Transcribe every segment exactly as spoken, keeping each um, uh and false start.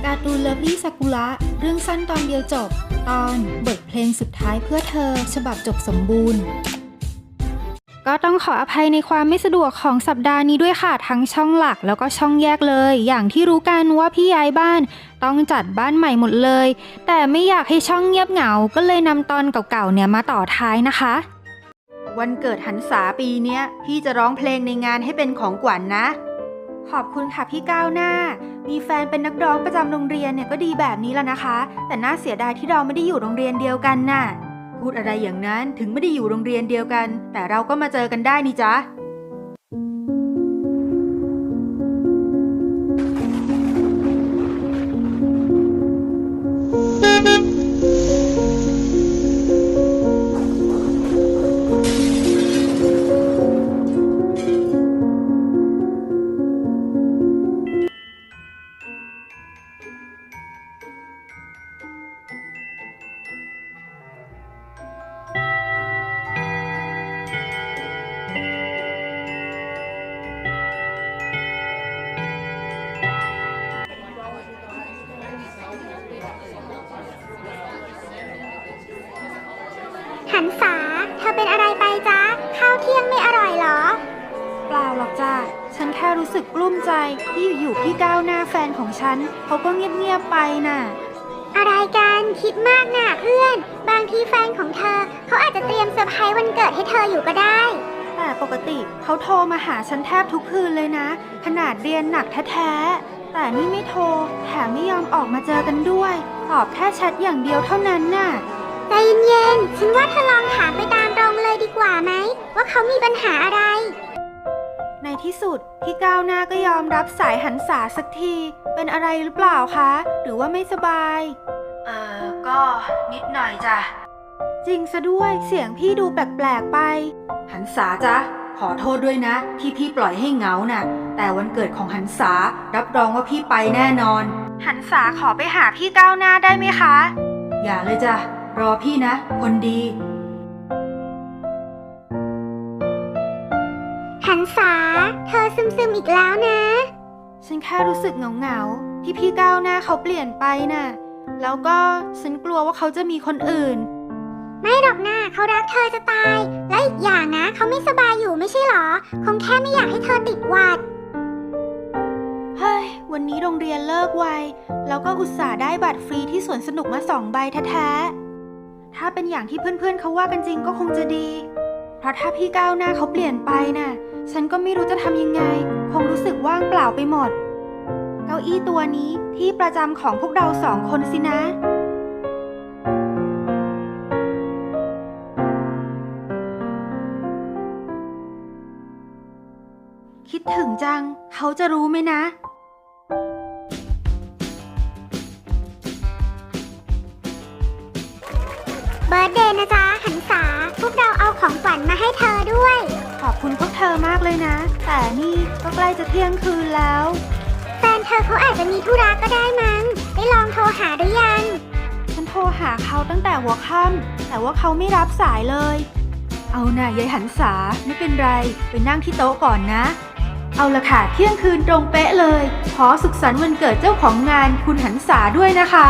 การ์ตูนเลิฟลี่ซากุระเรื่องสั้นตอนเดียวจบตอนบทเพลงสุดท้ายเพื่อเธอฉบับจบสมบูรณ์ก็ต้องขออภัยในความไม่สะดวกของสัปดาห์นี้ด้วยค่ะทั้งช่องหลักแล้วก็ช่องแยกเลยอย่างที่รู้กันว่าพี่ย้ายบ้านต้องจัดบ้านใหม่หมดเลยแต่ไม่อยากให้ช่องเงียบเหงาก็เลยนำตอนเก่าๆเนี่ยมาต่อท้ายนะคะวันเกิดหันษาปีเนี้ยพี่จะร้องเพลงในงานให้เป็นของขวัญ น, นะขอบคุณค่ะพี่ก้าวหน้ามีแฟนเป็นนักร้องประจำโรงเรียนเนี่ยก็ดีแบบนี้แล้วนะคะแต่น่าเสียดายที่เราไม่ได้อยู่โรงเรียนเดียวกันน่ะพูดอะไรอย่างนั้นถึงไม่ได้อยู่โรงเรียนเดียวกันแต่เราก็มาเจอกันได้นี่จ๊ะหันษาเธอเป็นอะไรไปจ๊ะข้าวเที่ยงไม่อร่อยเหรอเปล่าหรอกจ้ะฉันแค่รู้สึกกลุ้มใจที่อยู่ๆพี่ก้าวหน้าแฟนของฉันเขาก็เงียบๆไปน่ะอะไรกันคิดมากน่ะเพื่อนบางทีแฟนของเธอเขาอาจจะเตรียมเซอร์ไพรส์วันเกิดให้เธออยู่ก็ได้แต่ปกติเขาโทรมาหาฉันแทบทุกคืนเลยนะขนาดเรียนหนักแท้ๆแต่นี่ไม่โทรแถมไม่ยอมออกมาเจอกันด้วยตอบแค่แชทอย่างเดียวเท่านั้นน่ะใจเย็นๆฉันว่าเธอลองถามไปตามตรงเลยดีกว่าไหมว่าเขามีปัญหาอะไรในที่สุดพี่ก้าวหน้าก็ยอมรับสายหันษาสักทีเป็นอะไรหรือเปล่าคะหรือว่าไม่สบายเออก็นิดหน่อยจ้ะจริงซะด้วยเสียงพี่ดูแปลกๆไปหันษาจ๊ะขอโทษด้วยนะที่พี่ปล่อยให้เหงาน่ะแต่วันเกิดของหันษารับรองว่าพี่ไปแน่นอนหันษาขอไปหาพี่ก้าวหน้าได้ไหมคะอย่าเลยจ้ะรอพี่นะคนดีหันษาเธอซึมๆอีกแล้วนะฉันแค่รู้สึกเหงาๆที่พี่ก้าวหน้าเขาเปลี่ยนไปน่ะแล้วก็ฉันกลัวว่าเขาจะมีคนอื่นไม่หรอกนะเขารักเธอจะตายและอีกอย่างนะเขาไม่สบายอยู่ไม่ใช่หรอคงแค่ไม่อยากให้เธอติดหวัดเฮ้ยวันนี้โรงเรียนเลิกไวแล้วก็อุตส่าห์ได้บัตรฟรีที่สวนสนุกมาสองใบแท้ๆถ้าเป็นอย่างที่เพื่อนๆเขาว่ากันจริงก็คงจะดีเพราะถ้าพี่ก้าวหน้าเขาเปลี่ยนไปน่ะฉันก็ไม่รู้จะทำยังไงคงรู้สึกว่างเปล่าไปหมดเก้าอี้ตัวนี้ที่ประจำของพวกเราสองคนสินะคิดถึงจังเขาจะรู้ไหมนะเบิร์ธเดย์นะจ๊ะหันษาพวกเราเอาของขวัญมาให้เธอด้วยขอบคุณพวกเธอมากเลยนะแต่นี่ก็ใกล้จะเที่ยงคืนแล้วแฟนเธอเขาอาจจะมีธุระก็ได้มั้งได้ลองโทรหาหรือยังฉันโทรหาเขาตั้งแต่หัวค่ำแต่ว่าเขาไม่รับสายเลยเอาน่ะยายหันษาไม่เป็นไรไปนั่งที่โต๊ะก่อนนะเอาละค่ะเที่ยงคืนตรงเป๊ะเลยขอสุขสันต์วันเกิดเจ้าของงานคุณหันษาด้วยนะคะ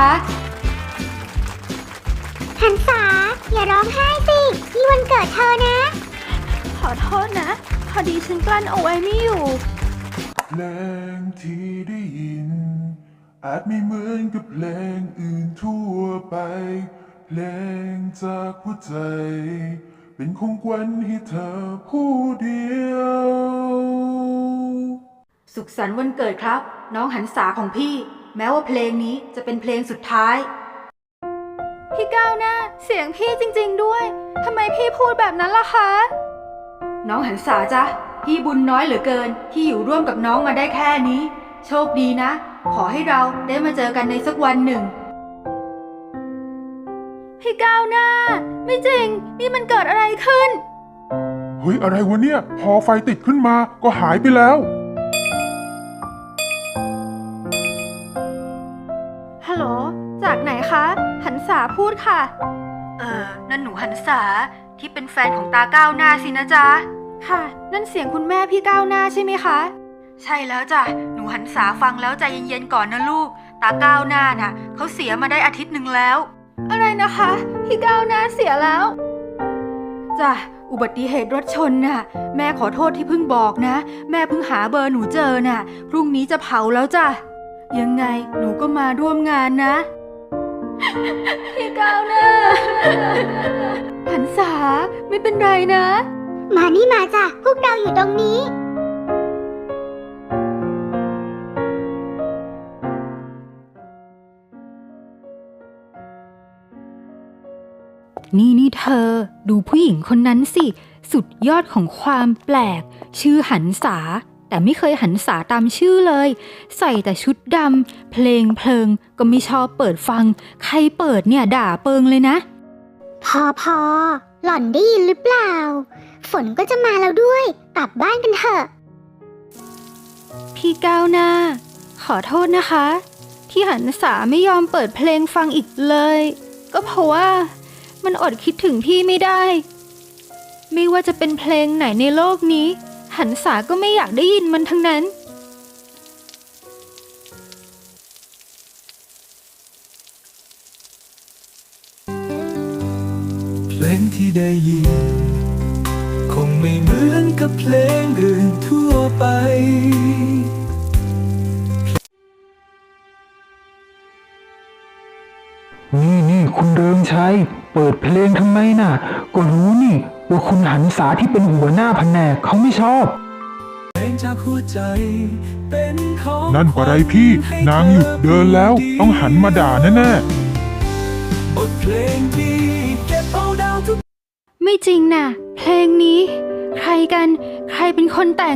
หันษาอย่าร้องไห้สินี่วันเกิดเธอนะขอโทษนะพอดีฉันกลั้นเอาไว้ไม่อยู่เพลงที่ได้ยินอาจไม่เหมือนกับเพลงอื่นทั่วไปเพลงจากหัวใจเป็นของขวัญให้เธอผู้เดียวสุขสันต์วันเกิดครับน้องหันษาของพี่แม้ว่าเพลงนี้จะเป็นเพลงสุดท้ายพี่ก้าวหน้าเสียงพี่จริงๆด้วยทำไมพี่พูดแบบนั้นล่ะคะน้องหันษาจ๊ะพี่บุญน้อยเหลือเกินที่อยู่ร่วมกับน้องมาได้แค่นี้โชคดีนะขอให้เราได้มาเจอกันในสักวันหนึ่งพี่ก้าวหน้าไม่จริงนี่มันเกิดอะไรขึ้นเฮ้ยอะไรวะเนี่ยพอไฟติดขึ้นมาก็หายไปแล้วฮัลโหลจากไหนคะหันษาพูดค่ะเออนั่นหนูหันษาที่เป็นแฟนของตาก้าวหน้าสินะจ๊ะค่ะนั่นเสียงคุณแม่พี่ก้าวหน้าใช่ไหมคะใช่แล้วจ้ะหนูนูหันษาฟังแล้วใจเย็นๆก่อนนะลูกตาก้าวหน้าน่ะเขาเสียมาได้อาทิตย์หนึ่งแล้ว อะไรนะคะพี่ก้าวหน้าเสียแล้วจ้ะอุบัติเหตุรถชนน่ะแม่ขอโทษที่เพิ่งบอกนะแม่เพิ่งหาเบอร์หนูเจอน่ะพรุ่งนี้จะเผาแล้วจ้ะยังไงหนูก็มาร่วมงานนะ พี่ก้าวหน้า หันษาไม่เป็นไรนะมานี่มาจ้ะพวกเราอยู่ตรงนี้นี่นี่เธอดูผู้หญิงคนนั้นสิสุดยอดของความแปลกชื่อหันษาแต่ไม่เคยหันษาตามชื่อเลยใส่แต่ชุดดำเพลงเพลิงก็ไม่ชอบเปิดฟังใครเปิดเนี่ยด่าเปิงเลยนะพอพอหล่อนได้ยินหรือเปล่า ฝนก็จะมาแล้วด้วยกลับบ้านกันเถอะพี่ก้าวหน้าขอโทษนะคะ ที่หันษาไม่ยอมเปิดเพลงฟังอีกเลย ก็เพราะว่ามันอดคิดถึงพี่ไม่ได้ไม่ว่าจะเป็นเพลงไหนในโลกนี้หันษาก็ไม่อยากได้ยินมันทั้งนั้นเพลงที่ได้ยินคงไม่เหมือนกับเพลงอื่นทั่วไปนี่นี่คุณเริงชัยเปิดเพลงทำไมน่ะก็รู้นี่ว่าคุณหันษาที่เป็นหัวหน้าแผนกเขาไม่ชอบเพลงจากหัวใจเป็นของนั่นปะไรพี่นางหยุดเดินแล้วต้องหันมาด่าแน่ๆบทเพลงดีเก็บเอาดาวทุกไม่จริงน่ะเพลงนี้ใครกันใครเป็นคนแต่ง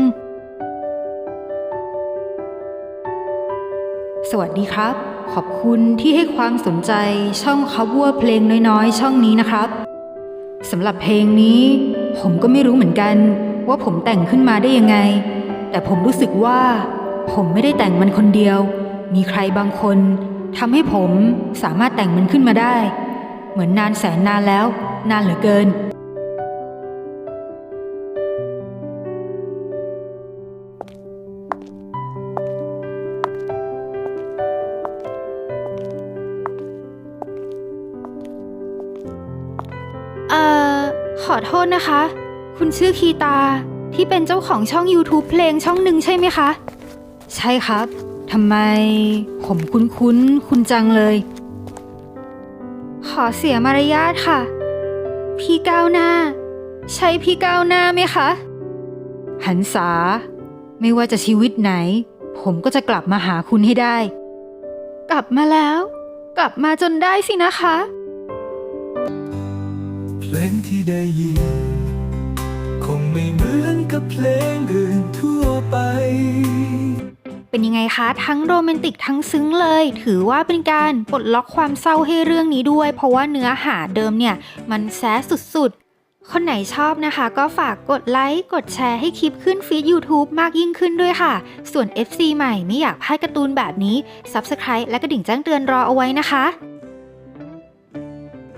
สวัสดีครับขอบคุณที่ให้ความสนใจช่องคัฟเวอร์เพลงน้อยๆช่องนี้นะครับสำหรับเพลงนี้ผมก็ไม่รู้เหมือนกันว่าผมแต่งขึ้นมาได้ยังไงแต่ผมรู้สึกว่าผมไม่ได้แต่งมันคนเดียวมีใครบางคนทำให้ผมสามารถแต่งมันขึ้นมาได้เหมือนนานแสนนานแล้วนานเหลือเกินเอ่อขอโทษนะคะคุณชื่อคีตาที่เป็นเจ้าของช่อง YouTube เพลงช่องหนึ่งใช่ไหมคะใช่ครับทำไมผมคุ้นคุ้นคุณจังเลยขอเสียมารยาทค่ะพี่ก้าวหน้าใช่พี่ก้าวหน้าไหมคะหันษาไม่ว่าจะชีวิตไหนผมก็จะกลับมาหาคุณให้ได้กลับมาแล้วกลับมาจนได้สินะคะเพลงที่ได้ยินคงไม่เหมือนกับเพลงอื่นทั่วไปเป็นยังไงคะทั้งโรแมนติกทั้งซึ้งเลยถือว่าเป็นการปลดล็อกความเศร้าให้เรื่องนี้ด้วยเพราะว่าเนื้อหาเดิมเนี่ยมันแซ่สุดๆคนไหนชอบนะคะก็ฝากกดไลค์กดแชร์ให้คลิปขึ้นฟีด YouTube มากยิ่งขึ้นด้วยค่ะส่วน เอฟ ซี ใหม่ไม่อยากพลาดการ์ตูนแบบนี้ ซับสไครบ์ และกระดิ่งแจ้งเตือนรอเอาไว้นะคะ